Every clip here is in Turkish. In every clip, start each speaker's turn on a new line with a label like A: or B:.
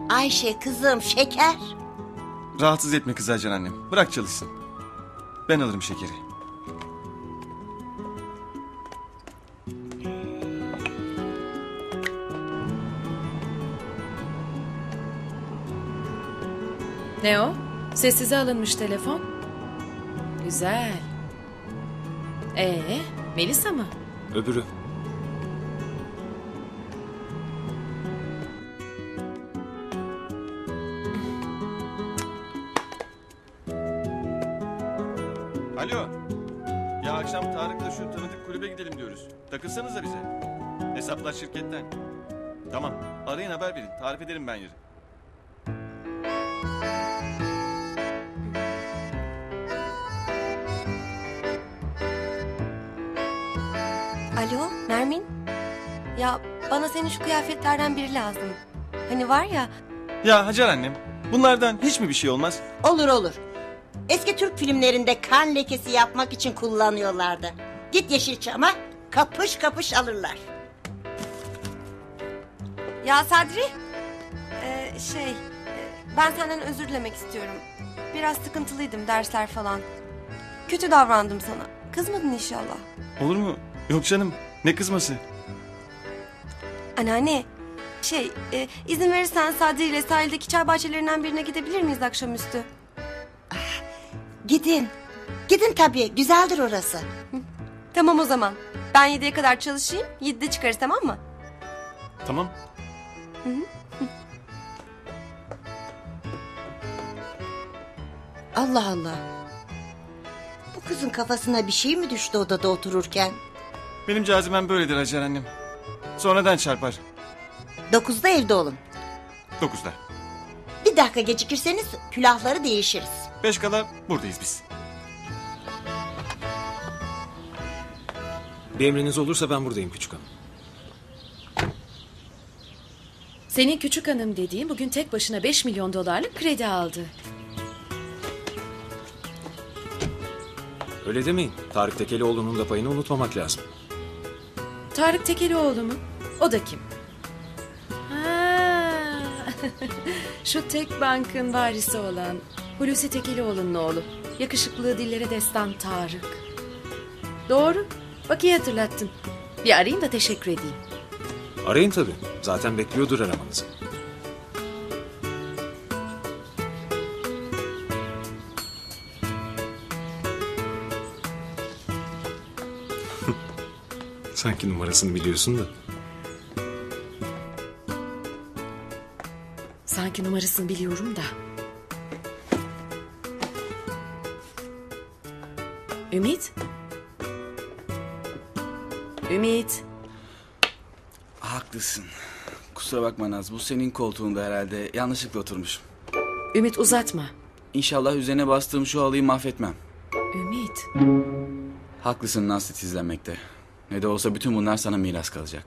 A: Ayşe kızım, şeker.
B: Rahatsız etme kızı Hacer annem. Bırak çalışsın. Ben alırım şekeri.
C: Ne o? Sessize alınmış telefon. Güzel. Melisa mı?
D: Öbürü.
B: Alo. Ya akşam Tarık'la şu tanıdık kulübe gidelim diyoruz. Takılsanıza bize. Hesaplar şirketten. Tamam. Arayın, haber verin. Tarif ederim ben yeri.
E: Alo Nermin? Ya bana senin şu kıyafetlerden biri lazım. Hani var ya...
B: Ya Hacer annem, bunlardan hiç mi bir şey olmaz?
A: Olur olur. Eski Türk filmlerinde kan lekesi yapmak için kullanıyorlardı. Git Yeşilçam'a, kapış kapış alırlar.
E: Ya Sadri, ben senden özür dilemek istiyorum. Biraz sıkıntılıydım, dersler falan. Kötü davrandım sana. Kızmadın inşallah.
B: Olur mu? Yok canım, ne kızması?
E: Anneanne, izin verirsen Sadri ile sahildeki çay bahçelerinden birine gidebilir miyiz akşamüstü?
A: Gidin. Gidin tabii, güzeldir orası.
E: Tamam o zaman. Ben 7'ye kadar çalışayım, 7'de çıkarız, tamam mı?
B: Tamam.
A: Allah Allah. Bu kızın kafasına bir şey mi düştü odada otururken?
B: Benim cazibem böyledir Hacer annem. Sonradan çarpar.
A: 9'da evde olun.
B: 9'da.
A: Bir dakika gecikirseniz külahları değişiriz.
B: 5 kala buradayız biz.
D: Bir emriniz olursa ben buradayım küçük hanım.
C: Senin küçük hanım dediğin bugün tek başına 5 milyon dolarlık kredi aldı.
D: Öyle demeyin. Tarık Tekelioğlu'nun da payını unutmamak lazım.
C: Tarık Tekelioğlu mu? O da kim? Ha, şu tek bankın varisi olan Hulusi Tekelioğlu'nun oğlu. Yakışıklı, dillere destan Tarık. Doğru. Bak iyi hatırlattın. Bir arayayım da teşekkür edeyim.
D: Arayın tabii. Zaten bekliyordur aramanızı. Sanki numarasını biliyorsun da.
C: Sanki numarasını biliyorum da. Ümit? Ümit?
F: Haklısın. Kusura bakma Naz. Bu senin koltuğunda herhalde. Yanlışlıkla oturmuşum.
C: Ümit uzatma.
F: İnşallah üzerine bastığım şu halıyı mahvetmem.
C: Ümit.
F: Haklısın Naz titizlenmekte. Ne de olsa bütün bunlar sana miras kalacak.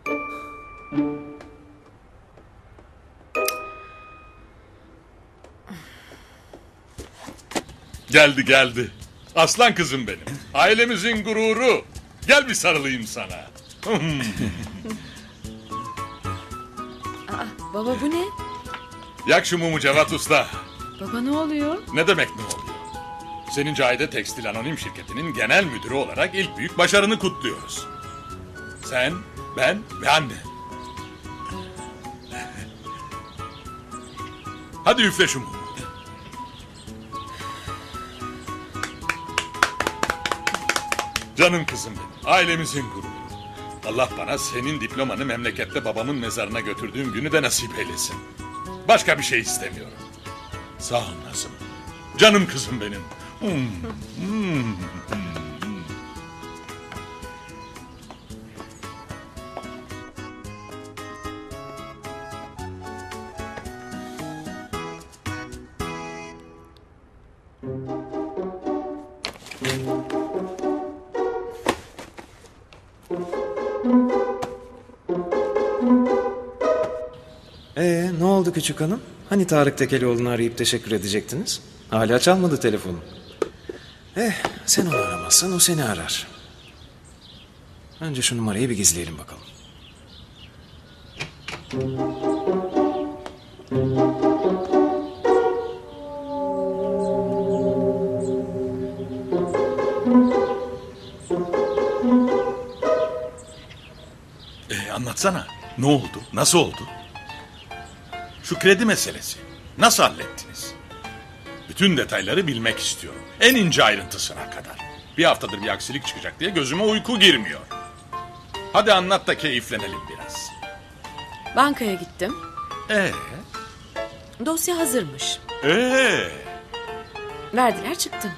G: Geldi. Aslan kızım benim. Ailemizin gururu. Gel bir sarılayım sana.
C: Baba bu ne?
G: Yak şu mumu Cevat Usta.
C: Baba ne oluyor?
G: Ne demek ne oluyor? Senin Cahide Tekstil Anonim Şirketi'nin genel müdürü olarak ilk büyük başarını kutluyoruz. Sen, ben ve anne. Hadi üfle şu mumu. Canım kızım benim, ailemizin gururu. Allah bana senin diplomanı memlekette babamın mezarına götürdüğüm günü de nasip eylesin. Başka bir şey istemiyorum. Sağ ol Nazım. Canım kızım benim.
D: Ne oldu küçük hanım? Hani Tarık Tekelioğlu'nu arayıp teşekkür edecektiniz? Hala çalmadı telefonu. Sen onu aramazsan o seni arar. Önce şu numarayı bir gizleyelim bakalım.
G: Anlatsana. Ne oldu? Nasıl oldu? Şu kredi meselesi. Nasıl hallettiniz? Bütün detayları bilmek istiyorum. En ince ayrıntısına kadar. Bir haftadır bir aksilik çıkacak diye gözüme uyku girmiyor. Hadi anlat da keyiflenelim biraz.
C: Bankaya gittim.
G: Ee?
C: Dosya hazırmış. Verdiler çıktım.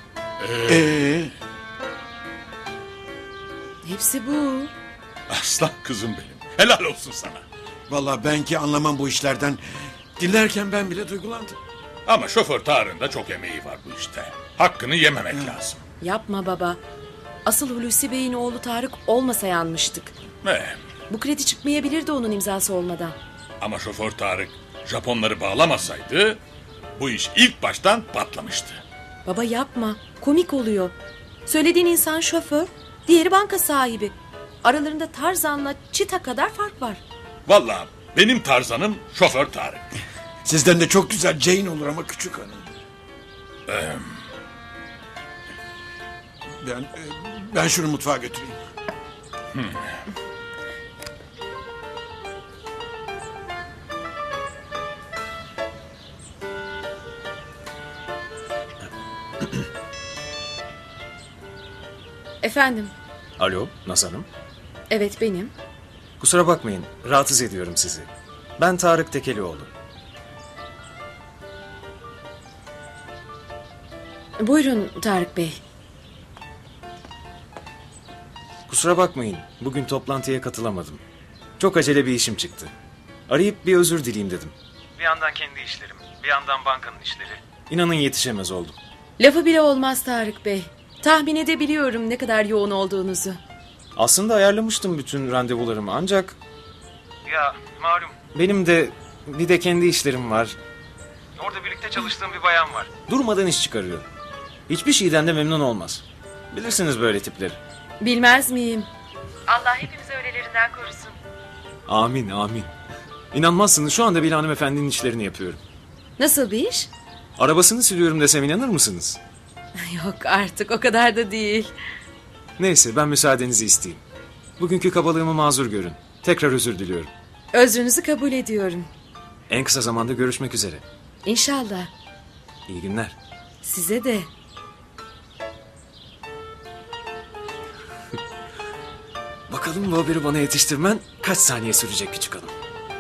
C: Hepsi bu.
G: Aslan kızım benim. Helal olsun sana.
H: Vallahi ben ki anlamam bu işlerden. Dinlerken ben bile duygulandım.
G: Ama şoför Tarık'ın da çok emeği var bu işte. Hakkını yememek lazım.
C: Yapma baba. Asıl Hulusi Bey'in oğlu Tarık olmasa yanmıştık. Bu kredi çıkmayabilirdi onun imzası olmadan.
G: Ama şoför Tarık Japonları bağlamasaydı bu iş ilk baştan patlamıştı.
C: Baba yapma. Komik oluyor. Söylediğin insan şoför, diğeri banka sahibi. Aralarında Tarzan'la Çita kadar fark var.
G: Vallahi benim Tarzan'ım şoför Tarık.
H: Sizden de çok güzel Jane olur ama küçük hanım. Ben şunu mutfağa götüreyim.
C: Efendim?
D: Alo, Naz Hanım.
C: Evet benim.
D: Kusura bakmayın, rahatsız ediyorum sizi. Ben Tarık Tekelioğlu.
C: Buyurun Tarık Bey.
D: Kusura bakmayın, bugün toplantıya katılamadım. Çok acele bir işim çıktı. Arayıp bir özür dileyeyim dedim. Bir yandan kendi işlerim, bir yandan bankanın işleri. İnanın yetişemez oldum.
C: Lafı bile olmaz Tarık Bey. Tahmin edebiliyorum ne kadar yoğun olduğunuzu.
D: Aslında ayarlamıştım bütün randevularımı ancak... Ya malum. Benim de bir de kendi işlerim var. Orada birlikte çalıştığım bir bayan var. Durmadan iş çıkarıyor. Hiçbir şeyden de memnun olmaz. Bilirsiniz böyle tipleri.
C: Bilmez miyim? Allah hepimizi öylelerinden korusun.
D: Amin, amin. İnanmazsınız şu anda bir hanımefendinin işlerini yapıyorum.
C: Nasıl bir iş?
D: Arabasını siliyorum desem inanır mısınız?
C: Yok artık o kadar da değil.
D: Neyse ben müsaadenizi isteyeyim. Bugünkü kabalığımı mazur görün. Tekrar özür diliyorum.
C: Özrünüzü kabul ediyorum.
D: En kısa zamanda görüşmek üzere.
C: İnşallah.
D: İyi günler.
C: Size de.
D: Bakalım bu haberi bana yetiştirmen kaç saniye sürecek küçük hanım.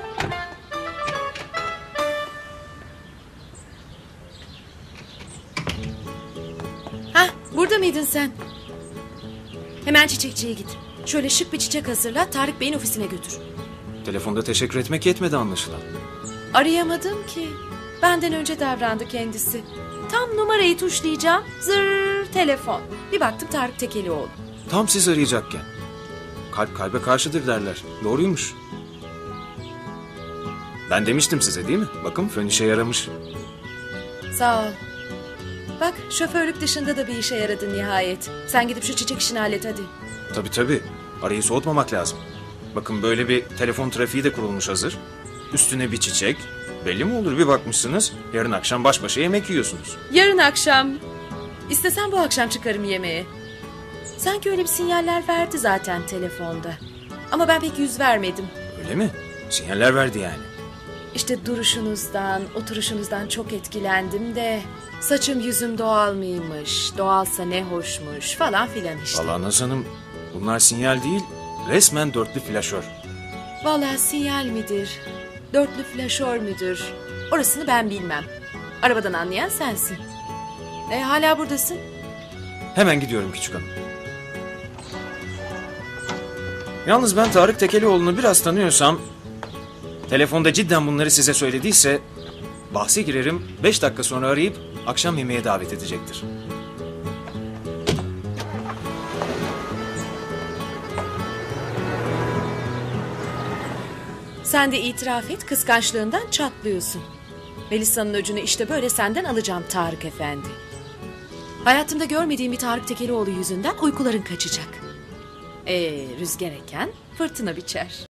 C: Hah, burada mıydın sen? Hemen çiçekçiye git. Şöyle şık bir çiçek hazırla, Tarık Bey'in ofisine götür.
D: Telefonda teşekkür etmek yetmedi anlaşılan.
C: Arayamadım ki. Benden önce davrandı kendisi. Tam numarayı tuşlayacağım. Zırr telefon. Bir baktım Tarık Tekelioğlu.
D: Tam siz arayacakken. Kalp kalbe karşıdır derler. Doğruymuş. Ben demiştim size değil mi? Bakın fön işe yaramış.
C: Sağ ol. Bak şoförlük dışında da bir işe yaradın nihayet. Sen gidip şu çiçek işini hallet hadi.
D: Tabii tabii. Arayı soğutmamak lazım. Bakın böyle bir telefon trafiği de kurulmuş hazır. Üstüne bir çiçek. Belli mi olur bir bakmışsınız. Yarın akşam baş başa yemek yiyorsunuz.
C: Yarın akşam. İstesem bu akşam çıkarım yemeğe. Sanki öyle bir sinyaller verdi zaten telefonda. Ama ben pek yüz vermedim.
D: Öyle mi? Sinyaller verdi yani.
C: İşte duruşunuzdan, oturuşunuzdan çok etkilendim de... Saçım yüzüm doğal mıymış, doğalsa ne hoşmuş falan filan işte.
D: Vallahi Naz Hanım bunlar sinyal değil, resmen dörtlü flaşör.
C: Vallahi sinyal midir, dörtlü flaşör müdür? Orasını ben bilmem. Arabadan anlayan sensin. Hala buradasın.
D: Hemen gidiyorum küçük hanım. Yalnız ben Tarık Tekelioğlu'nu biraz tanıyorsam... Telefonda cidden bunları size söylediyse... Bahse girerim 5 dakika sonra arayıp akşam yemeğe davet edecektir.
C: Sen de itiraf et, kıskançlığından çatlıyorsun. Melisa'nın öcünü işte böyle senden alacağım Tarık Efendi. Hayatımda görmediğim bir Tarık Tekelioğlu yüzünden uykuların kaçacak. Rüzgar eken fırtına biçer.